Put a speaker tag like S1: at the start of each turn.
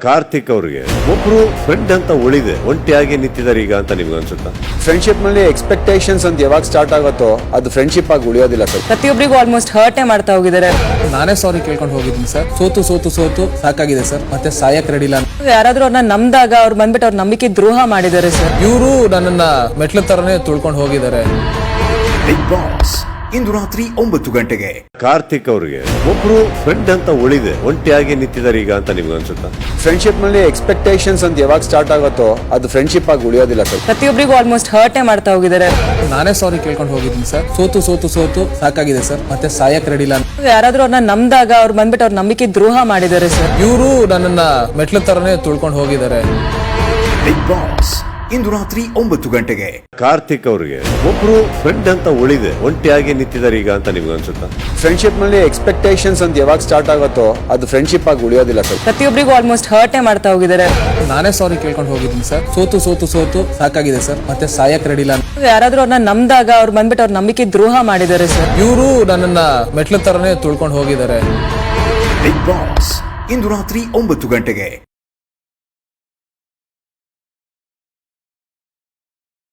S1: ಕಾರ್ತಿಕ್ ಅವ್ರಿಗೆ ಒಬ್ರು ಫ್ರೆಂಡ್ ಅಂತ ಉಳಿದೆ ಒಂಟಿಯಾಗಿ ನಿಂತಿದ್ದಾರೆ ಈಗ ಅಂತ ನಿಮ್ಗೆ ಅನ್ಸುತ್ತಾ?
S2: ಫ್ರೆಂಡ್ಶಿಪ್ ನಲ್ಲಿ ಎಕ್ಸ್ಪೆಕ್ಟೇಷನ್ಸ್ ಅಂತ ಯಾವಾಗ ಸ್ಟಾರ್ಟ್ ಆಗುತ್ತೋ ಅದು ಫ್ರೆಂಡ್ಶಿಪ್ ಆಗಿ ಉಳಿಯೋದಿಲ್ಲ ಸರ್.
S3: ಪ್ರತಿಯೊಬ್ಬರಿಗೂ ಆಲ್ಮೋಸ್ಟ್ ಹರ್ಟೇ ಮಾಡ್ತಾ ಹೋಗಿದ್ದಾರೆ.
S4: ನಾನೇ ಸಾರಿ ಕೇಳ್ಕೊಂಡು ಹೋಗಿದ್ದೀನಿ ಸರ್. ಸೋತು ಸಾಕಾಗಿದೆ ಸರ್. ಮತ್ತೆ ಸಾಯಕ್ ರೆಡಿ ಇಲ್ಲ.
S3: ಯಾರಾದ್ರೂ ಅವ್ರನ್ನ ನಂಬಿದಾಗ ಅವ್ರು ಬಂದ್ಬಿಟ್ಟು ಅವ್ರ ನಂಬಿಕೆ ದ್ರೋಹ ಮಾಡಿದ್ದಾರೆ ಸರ್.
S4: ಇವರು ನನ್ನನ್ನ ಮೆಟ್ಲ ತರನೇ ತುಳ್ಕೊಂಡು ಹೋಗಿದ್ದಾರೆ.
S5: ಬಿಗ್ ಬಾಸ್ ಇಂದು ರಾತ್ರಿ 9 ಗಂಟೆಗೆ.
S1: ಕಾರ್ತಿಕ್ ಅವ್ರಿಗೆ ಒಬ್ರು ಫ್ರೆಂಡ್ ಅಂತ ಉಳಿದೆ ಒಂಟಿಯಾಗಿ ನಿಂತಿದ್ದಾರೆ ಈಗ ಅಂತ ನಿಮ್ಗೆ ಅನ್ಸುತ್ತಾ?
S2: ಫ್ರೆಂಡ್ಶಿಪ್ ನಲ್ಲಿ ಎಕ್ಸ್ಪೆಕ್ಟೇಷನ್ಸ್ ಅಂತ ಯಾವಾಗ ಸ್ಟಾರ್ಟ್ ಆಗುತ್ತೋ ಅದು ಫ್ರೆಂಡ್ಶಿಪ್ ಆಗಿ ಉಳಿಯೋದಿಲ್ಲ ಸರ್.
S3: ಪ್ರತಿಯೊಬ್ಬರಿಗೂ ಆಲ್ಮೋಸ್ಟ್ ಹರ್ಟೇ ಮಾಡ್ತಾ ಹೋಗಿದ್ದಾರೆ.
S4: ನಾನೇ ಸಾರಿ ಕೇಳ್ಕೊಂಡು ಹೋಗಿದ್ದೀನಿ ಸರ್. ಸೋತು ಸಾಕಾಗಿದೆ ಸರ್. ಮತ್ತೆ ಸಾಯಕ್ ರೆಡಿ ಇಲ್ಲ.
S3: ಯಾರಾದ್ರೂ ಅವ್ರನ್ನ ನಂಬಿದಾಗ ಅವ್ರು ಬಂದ್ಬಿಟ್ಟು ಅವ್ರ ನಂಬಿಕೆ ದ್ರೋಹ ಮಾಡಿದ್ದಾರೆ ಸರ್.
S4: ಇವರು ನನ್ನನ್ನ ಮೆಟ್ಲ ತರನೇ ತುಳ್ಕೊಂಡು ಹೋಗಿದ್ದಾರೆ.
S5: ಬಿಗ್ ಬಾಸ್ ಇಂದು ರಾತ್ರಿ 9 ಗಂಟೆಗೆ.
S1: ಕಾರ್ತಿಕ್ ಅವ್ರಿಗೆ ಒಬ್ರು ಫ್ರೆಂಡ್ ಅಂತ ಉಳಿದೆ ಒಂಟಿಯಾಗಿ ನಿಂತಿದ್ದಾರೆ ಈಗ ಅಂತ ನಿಮ್ಗೆ ಅನ್ಸುತ್ತಾ?
S2: ಫ್ರೆಂಡ್ಶಿಪ್ ನಲ್ಲಿ ಎಕ್ಸ್ಪೆಕ್ಟೇಷನ್ಸ್ ಅಂತ ಯಾವಾಗ ಸ್ಟಾರ್ಟ್ ಆಗುತ್ತೋ ಅದು ಫ್ರೆಂಡ್ಶಿಪ್ ಆಗಿ ಉಳಿಯೋದಿಲ್ಲ ಸರ್.
S3: ಪ್ರತಿಯೊಬ್ಬರಿಗೂ ಆಲ್ಮೋಸ್ಟ್ ಹರ್ಟೇ ಮಾಡ್ತಾ ಹೋಗಿದ್ದಾರೆ.
S4: ನಾನೇ ಸಾರಿ ಕೇಳ್ಕೊಂಡು ಹೋಗಿದ್ದೀನಿ ಸರ್. ಸೋತು ಸಾಕಾಗಿದೆ ಸರ್. ಮತ್ತೆ ಸಾಯಕ್ ರೆಡಿ ಇಲ್ಲ.
S3: ಯಾರಾದ್ರೂ ಅವ್ರನ್ನ ನಂಬಿದಾಗ ಅವ್ರು ಬಂದ್ಬಿಟ್ಟು ಅವ್ರ ನಂಬಿಕೆ ದ್ರೋಹ ಮಾಡಿದ್ದಾರೆ ಸರ್.
S4: ಇವರು ನನ್ನನ್ನ ಮೆಟ್ಲ ತರನೇ ತುಳ್ಕೊಂಡು ಹೋಗಿದ್ದಾರೆ.
S5: ಬಿಗ್ ಬಾಸ್ ಇಂದು ರಾತ್ರಿ 9 ಗಂಟೆಗೆ.